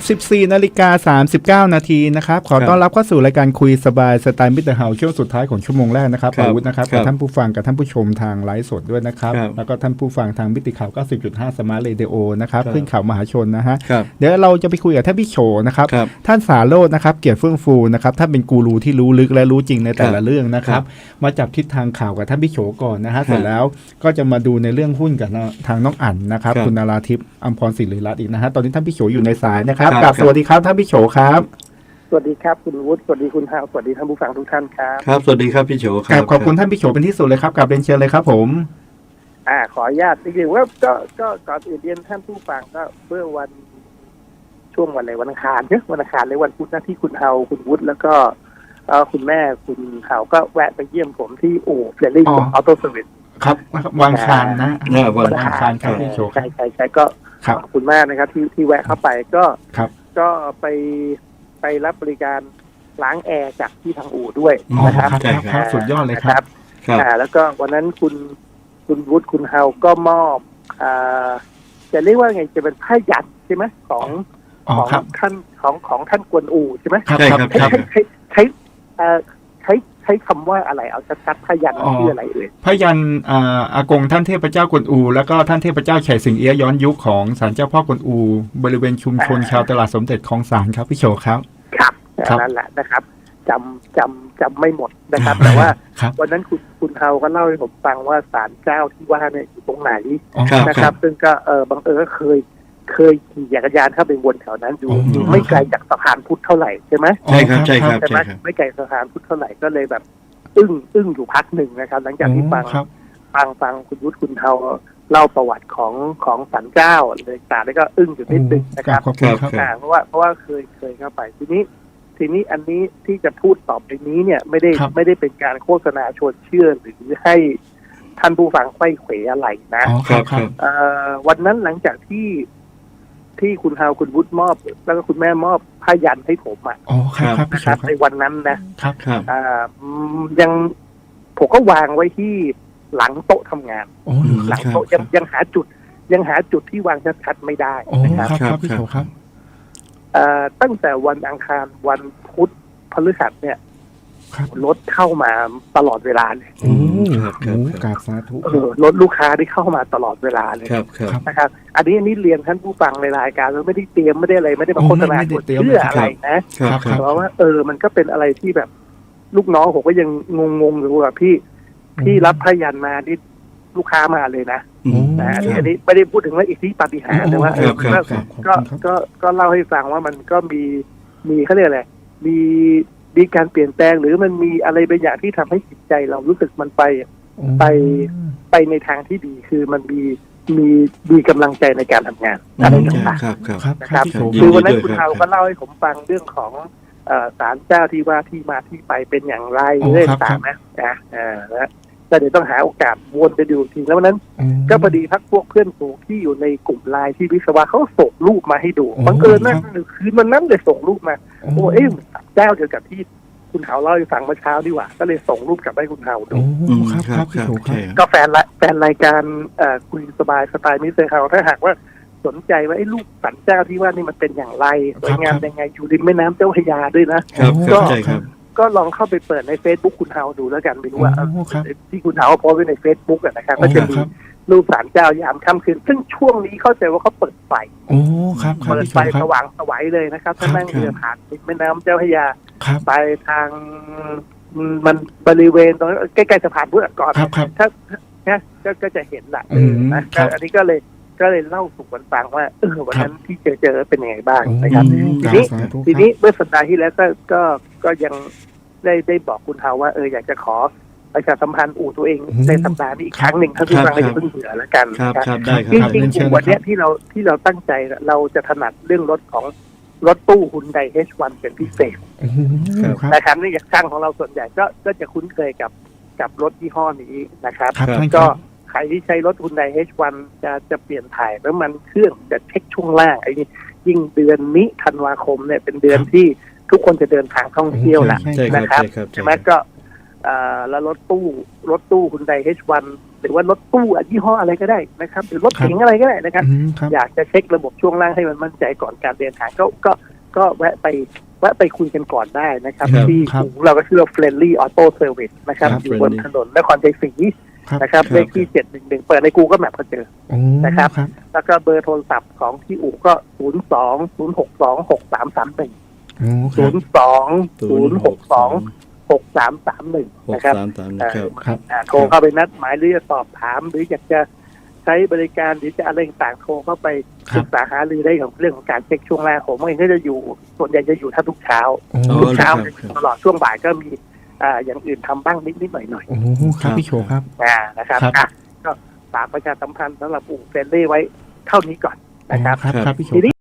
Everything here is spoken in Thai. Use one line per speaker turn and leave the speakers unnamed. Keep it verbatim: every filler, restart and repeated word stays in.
สิบสี่นาฬิกาสามสิบเก้านาทีนะครับขอต้อนรับเข้าสู่รายการคุยสบายสไตล์มิสเตอร์เฮาช่วงสุดท้ายของชั่วโมงแรกนะครับอาวุธนะครับกับท่านผู้ฟังกับท่านผู้ชมทางไลฟ์สดด้วยนะครับแล้วก็ท่านผู้ฟังทางมิติข่าว เก้าสิบจุดห้า สมาร์ทเรดิโอนะครับขึ้นข่าวมหาชนนะฮะเดี๋ยวเราจะไปคุยกับท่านพี่โฉนะครับท่านสาโรจน์นะครับเกียรติเฟื่องฟูนะครับท่านเป็นกูรูที่รู้ลึกและรู้จริงในแต่ละเรื่องนะครับมาจับทิศทางข่าวกับท่านพี่โฉก่อนนะฮะเสร็จแล้วก็จะมาดูในเรื่องหุ้นกับทางน้องอั๋นนะครับคุณนาราทิพย์อัมพรศิริรัตน์อีกนะฮะตอนนี้ท่านพี่โฉอยู่ในสายนะครับกราบสวัสดีครับท่านพี่โฉครับ
สวัสดีครับคุณวุฒิสวัสดีคุณฮาวสวัสดีท่านผู้ฟังทุกท่านครับ
ครับสวัสดีครับพี่โฉครับ
ขอบคุณท่านพี่โฉเป็นที่สุดเลยครับกราบเรียนเชิญเลยครับผม
อ่าขออนุญาตจริงๆว่าก็ก็ก่อนอื่นเรียนท่านผู้ฟังก็เมื่อวันช่วงวันอะไรวันอังคารเนี่ยวันอังคารในวันพุธหน้าที่คุณฮาวคุณวุฒิแล้วก็เอ่อคุณแม่คุณฮาวก็แวะไปเยี่ยมผมที่อู่เฟรนลี่ออโต้เซอร์วิส
ครับวางคารนะ
วันอังคาร
ครับพี่โฉ
ใช่ใช่ใช่ก็ขอบคุณมากนะครับที่ที่แวะเข้าไปก็ก็ไปไปรับบริการล้างแอร์จากที่ทางอู่ด้วยนะครับ
ครับสุดยอดเลยครับ
อ่าแล้วก็วันนั้นคุณคุณวุฒิคุณเฮาก็มอบอ่าจะเรียกว่าไงจะเป็นผ้ายันใช่ไหมของของท่านของของท่านกวนอู่ใช่ไหม
ครับครับ
ใช้ใช้ใช้เอ่อใช้ใช้คำว่าอะไรเอาชัดๆผ้ายันชื่ออะไรเอ่ย
ผ้ายันอ่าอากงท่านเทพเจ้ากวนอูแล้วก็ท่านเทพเจ้าไฉสิงเอี้ยย้อนยุคของศาลเจ้าพ่อกวนอูบริเวณชุมชนชาวตลาดสมเด็จคลองสานครับพี่โฉครับ
ครับนั่นแหละนะครับจำจำจำไม่หมดนะครับแต่ว่าวันนั้นคุณคุณเฮาก็เล่าให้ผมฟังว่าศาลเจ้าที่ว่าเนี่ยอยู่ตรงไหนนะครับซึ่งก็เออบังเอิญก็เคยเคยขี่จักรยานเข้าไปวนแถวนั้นอยู่อยู่ไม่ไกลจากสะพานพุทธเท่าไหร่ใช่ไหม
ใช่ครับใช่ครับ
ใช่ไหมไม่ไกลสะพานพุทธเท่าไหร่ก็เลยแบบอึ้งอึ้งอยู่พักหนึ่งนะครับหลังจากที่ฟังฟังฟังคุณวุฒิคุณเฮาเล่าประวัติของของศาลเจ้าเลยต่างแล้วก็อึ้งอยู่นิดนึงนะครับเพราะว่าเพราะว่าเคยเคยเข้าไปทีนี้ทีนี้อันนี้ที่จะพูดต่อไปนี้เนี่ยไม่ได้ไม่ได้เป็นการโฆษณาชวนเชื่อหรือให้ท่านผู้ฟังไขว้เขวอะไรนะวันนั้นหลังจากที่ที่คุณฮาวคุณวุฒิมอบแล้วก็คุณแม่มอบผ้ายันให้ผมอ่ะนะครับในวันนั้นนะครับยังผมก็วางไว้ที่หลังโต๊ะทำงานหลังโต๊ะยังยังหาจุดยังหาจุดที่วางชัดๆไม่ได้นะครับ
ครับพี่โฉครับ
ตั้งแต่วันอังคารวันพุธพฤหัสเนี่ยรถเข้ามาตลอดเวลาเลย
กราบสาธุ
รถลูกค้าที่เข้ามาตลอดเวลาเลยนะครับอันนี้อันนี้เรียนท่านผู้ฟังในรายการเราไม่ได้เตรียมไม่ได้อะไรไม่ได้มาโฆษณาเพื่ออะไรนะเพราะว่าเออมันก็เป็นอะไรที่แบบลูกน้องผมก็ยังงงๆอยู่ว่าพี่พี่รับพยันมาที่ลูกค้ามาเลยนะนะอันนี้อันนี้ไม่ได้พูดถึงว่าอิทธิปาฏิหาริย์แต่ว่าเออก็ก็ก็เล่าให้ฟังว่ามันก็มีมีเขาเรียกอะไรมีมีการเปลี่ยนแปลงหรือมันมีอะไรบางอย่างที่ทำให้จิตใจเรารู้สึกมันไปไปไปในทางที่ดีคือมันมีมีมีกำลังใจในการทำงานอะไรต่างๆนะครับคือวันนั้นคุณเฮาก็เล่าให้ผมฟังเรื่องของศาลเจ้าที่ว่าที่มาที่ไปเป็นอย่างไรเรื่องต่างๆนะนะนะแต่เดี๋ยวต้องหาโอกาสวนไปดูทีแล้ววันนั้นก็พอดีพักพวกเพื่อนฝูงที่อยู่ในกลุ่มไลน์ที่วิศวะเขาส่งรูปมาให้ดูบังเอิญนั่นคืนวันนั้นเลยส่งรูปมาโอ้เอ๊ะเจ้าเดียวกับที่คุณเฮาเล่าให้ฟังเมื่อเช้าดีกว่าก็เลยส่งรูปกลับให้คุณเฮาดู
ครับครับ
ก็แฟนละแฟนรายการคุยสบายสไตล์มิสเตอร์เฮาถ้าหากว่าสนใจว่าไอ้รูปสันเจ้าที่ว่านี่มันเป็นอย่างไรสวยงามยังไงอยู่ริมแม่น้ำเจ้าพระยาด้วยนะ
ก็
ก็ลองเข้าไปเปิดใน Facebook คุณเฮาดูแล้วกันไม่รู้ว่าที่คุณเฮาโพสไว้ใน Facebook อ่ะนะครับก็จะมีรูปศาลเจ้ายามค่ำคืนซึ่งช่วงนี้เข้าใจว่าเขาเปิดไฟ
โอ้ครับ
เปิดไฟสว่างสวยเลยนะครับถ้านั่งเรือผ่านแม่น้ำเจ้าพระยาไปทางมันบริเวณตรงใกล้ๆสะพานพุทธก่อนถ้าเนี่ยก็จะเห็นแหละนะอันนี้ก็เลยก็เลยเล่าสู่กันฟังว่าเออวันนั้นที่เจอเจอเป็นยังไงบ้างนะครับทีนี้ทีนี้เมื่อสัปดาห์ที่แล้วก็ก็ก็ยังได้ได้บอกคุณเฮาว่าเอออยากจะขอประชาสัมพันธ์อู่ตัวเองในสัปดาห์นี้อีกครั้งหนึ่งถ้าทุกครั้งจะเพิ่งเบื่อแล้วกัน
ครับได้ครับ
จริงๆวันนี้ที่เราที่เราตั้งใจเราจะถนัดเรื่องรถของรถตู้ Hyundai เอช วัน เป็นพิเศษนะครับนี่อย่างช่างของเราส่วนใหญ่ก็ก็จะคุ้นเคยกับกับรถยี่ห้อนี้นะครับก็ใครที่ใช้รถ Hyundai เอช วัน จะจะเปลี่ยนถ่ายน้ำมันเครื่องจะเช็คช่วงล่างไอ้ยิ่งเดือนนี้ธันวาคมเนี่ยเป็นเดือนที่ทุกคนจะเดินทางท่องเที่ยวแหละนะครับใช่ไหมก็แล้วรถตู้รถตู้ Hyundai เอช วันหรือว่ารถตู้ยี่ห้ออะไรก็ได้นะครับหรือรถเก๋งอะไรก็ได้นะครับอยากจะเช็คระบบช่วงล่างให้มันมั่นใจก่อนการเดินทางก็ก็ก็แวะไปแวะไปคุยกันก่อนได้นะครับที่เราก็ชื่อว่า Friendly Auto Service นะครับอยู่บนถนนนครชัยศรีนะครับเลขที่เจ็ดหนึ่งหนึ่งเปิดใน Google Map ก็เจอนะครับแล้วก็เบอร์โทรศัพท์ของที่อู่ก็ศูนย์สองศูนย์หกสองหกสามสามหนึ่งศูนย์สองศูนย์หกสองหกสามสามหนึ่งนะครับโทรเข้าไปนัดหมายหรือจะสอบถามหรืออยากจะใช้บริการหรือจะอะไรต่างโทรเข้าไปศึกษาหารือได้ของเรื่องของการเช็คช่วงแรกผมเองก็จะอยู่ส่วนใหญ่จะอยู่ท่าทุกเช้าทุกเช้าตลอดช่วงบ่ายก็มีอ่าอย่างอื่นทำบ้างนิดนิดหน่อยหน่อย
โอ้ครับพี่โชครับ
อ่านะครับอ่ะก็ฝากประชาสัมพันธ์สำหรับอู่เฟรนลี่ไว้เท่านี้ก่อนนะครับ
ครับพี่โช